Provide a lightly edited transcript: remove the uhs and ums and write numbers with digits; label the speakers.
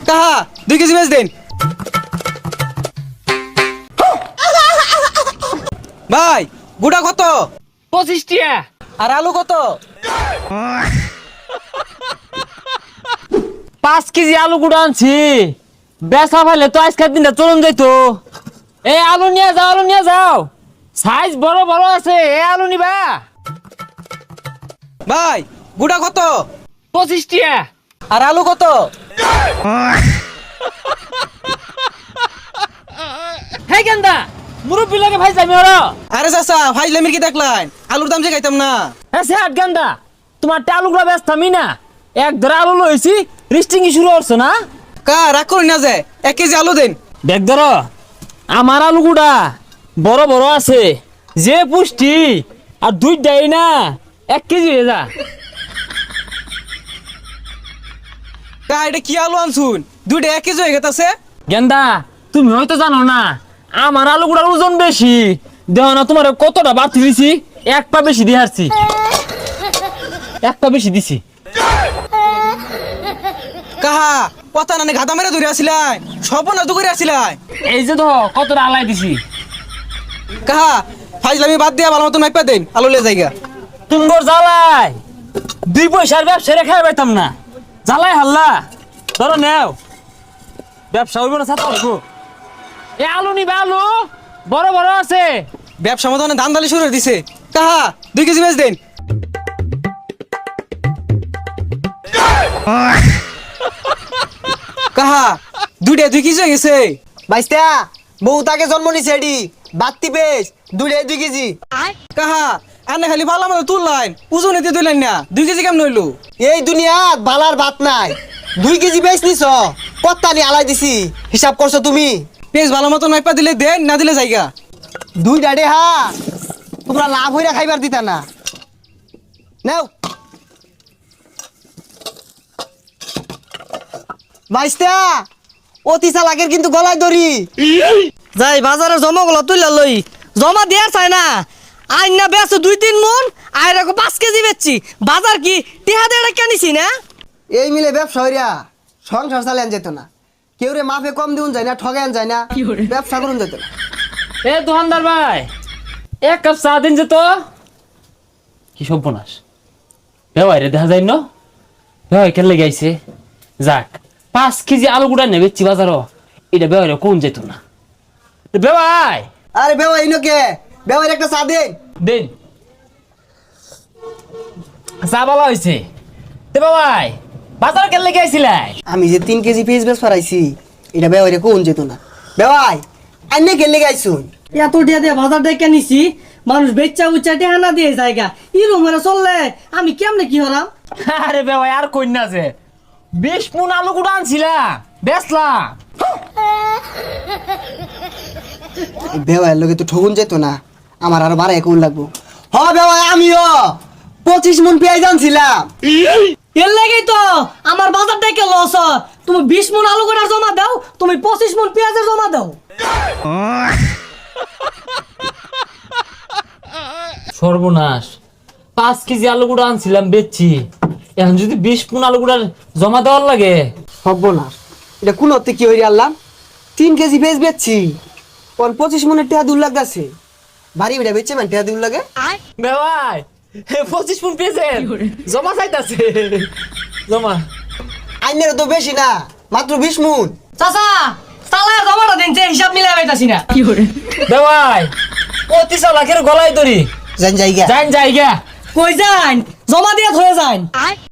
Speaker 1: কাহা 2 কেজি বেচ দেন। ভাই গুড়া কত?
Speaker 2: 25 টিয়া।
Speaker 1: আর আলু কত?
Speaker 2: 5 কেজি আলু গুঁড়া আনছি। বেচা ফেলে তো আজকের দিনটা চলুন যাইতো। এই আলু নিয়ে যাও, আলু নিয়ে যাও। সাইজ বড় বড় আছে, এই আলু নিবা।
Speaker 1: ভাই গুড়া কত?
Speaker 2: 25 টিয়া।
Speaker 1: আর আলু কত?
Speaker 2: হে গেন্দা, মুরব্বি লাগে ভাই যাবি ওরা।
Speaker 1: আরে চাচা ফাইজলামির কি দেখলেন? আলুর দাম যে খাইতাম না।
Speaker 2: হ্যাঁ সে আট গেন্দা, তোমার আলুগুলা ব্যস্ত আমি না। এক ধরে আলু লইছি, রিস্টিং শুরু করছো না?
Speaker 1: কা রাগ করি না যে 1 কেজি আলু দেন।
Speaker 2: দেখ ধর, আমার আলুগুড়া বড় বড় আছে, যে পুষ্টি আর দুইটাই না 1 কেজি হয়ে যা।
Speaker 1: কা এটা কি আলু আনছুন? 2টা 1 কেজি হয়ে গেছে।
Speaker 2: গেন্দা তুমি হয়তো জানো না, আমার আলুগুড়ার ওজন বেশি। দেহ না তোমার কতটা বাড়তি দিছি, 1 পা বেশি দিয়ে হারছি। 1 পা বেশি দিছি।
Speaker 1: কাহা কথা নানে গাদা মেরে ধরে আসিলাই, সপনা তো করে আসিলাই।
Speaker 2: এই যে ধর কতটা আলাই দিছি।
Speaker 1: কাহা ফাইজলামি বাদ দিয়া ভালো মতো মাইপা দেন, আলু লে জায়গা।
Speaker 2: তুমগর জ্বালাই 2 পয়সার ব্যবসা রেখে পাইতাম না। জ্বালাই হাল্লা ধরো নেও, ব্যবসা হইব না ছাত্র হইব। এ আলু নিবে, আলু বড় বড় আছে।
Speaker 1: ব্যবসা মতো ধান দালি শুরু করে দিছে। কাহা 2 কেজি বেচ দেন। কাহা 2টা 2 কেজি হয়ে গেছে।
Speaker 3: বাইস্তা বউ তাকে জন্ম নিছে এডি বাত্তি পেস 2 কেজি।
Speaker 1: কাহা আনে খালি ভালো মতো তুললাইন, ওজনে দিয়ে তুললেন না। 2 কেজি কেমন হইলো?
Speaker 3: এই দুনিয়াত বালার ভাত নাই। 2 কেজি বেচ নিছ, কত্তানি আলাই দিছি, হিসাব করছো তুমি?
Speaker 1: পেঁচ ভালো মতো মাইপা দিলে দেন, না দিলে জায়গা।
Speaker 3: 2 ডাডে হা তোমরা লাভ হইরা খাইবার দিতা না। নাও বাইস্তা, অতি চালাকের কিন্তু গলায় দড়ি।
Speaker 4: যাই বাজারে জমাগুলো তুইলা লই, জমা দেয়ার চাই না। আইন না বেছো 2-3 মন, আই রাখো 5 কেজি বেচছি। বাজার কি টিহা দেড়া কেনিছি না?
Speaker 3: এই মিলে ব্যবসা হইরা সংসার চালান যেত না। কেউ রে মাফে কম দিউন যায় না, ঠগান যায় না, ব্যবসা করুন যেত না।
Speaker 2: এ দোকানদার ভাই, 1 কাপ চা দিন যে তো। কি সর্বনাশ, বেওয়াই রে দেখা যায় না। বেওয়াই কেন লেগে আইছে? যাক 5 কেজি আলু গুড়া নেবে বাজারও, এটা বেওয়াই রে কোন যেত না। বেওয়াই
Speaker 3: আরে বেওয়া ইনোকে বেওয়ার একটা চা দেন।
Speaker 2: দিন চা বলা হয়েছে। তে বাবাই বাজার কেন লেগে আইছিলাই?
Speaker 3: আমি যে 3 কেজি পেঁয়াজ বেশ ফরাইছি, এটা বেওয়ারে কোন যেত না। বেওয়াই আইনে গেলে গাইছুন
Speaker 4: এত টিয়া দিয়ে বাজার দিয়ে কেনিছি, মানুষ বেচা উচ্চা টিহা না দিয়ে জায়গা ইরম হলে চললে আমি কেমনে কি হলাম?
Speaker 2: আরে বেওয়াই আর কইনা যে 20 মণ আলু গুড়া আনছিলাম, বেচলাম।
Speaker 3: বেওয়ার লগে তো ঠগুন যেত না, আমার আরো বাড়াই কোন লাগবো। হ বেওয়াই আমিও 25 মণ পেঁয়াজ আনছিলাম।
Speaker 4: এর লাগেই তো আমার বাজার থেকে লস। তুমি 20 মন আলু গোড়া জমা দাও, তুমি 25 মন পেঁয়াজের জমা দাও।
Speaker 2: সর্বনাশ, 5 কেজি আলু গুড়া আনছিলাম বেচছি, এখন যদি 20 মণ আলু গুড়া জমা দেওয়ার লাগে।
Speaker 3: সর্বনাশ, এটা কোন অর্থে কি হইরে আনলাম? 3 কেজি পেঁয়াজ বেচছি, 25 মণের টেহা দূর লাগতেছে। বাড়ি বেড়া বেচছে মানে টেহা দূর লাগে।
Speaker 2: বেওয়াই 25 মণ পেয়েছেন, জমা চাইতাছে। জমা
Speaker 3: আইনের তো বেশি না, মাত্র 20 মণ।
Speaker 4: চাচা চালায় জমাটা দিন, যে হিসাব মিলাই পাইতাছি না।
Speaker 2: বেওয়াই 25 লাখের গলায় দড়ি।
Speaker 3: জান জায়গা
Speaker 2: যাইন জায়গা।
Speaker 4: কই যান, জমা দিয়ে ধরে যান।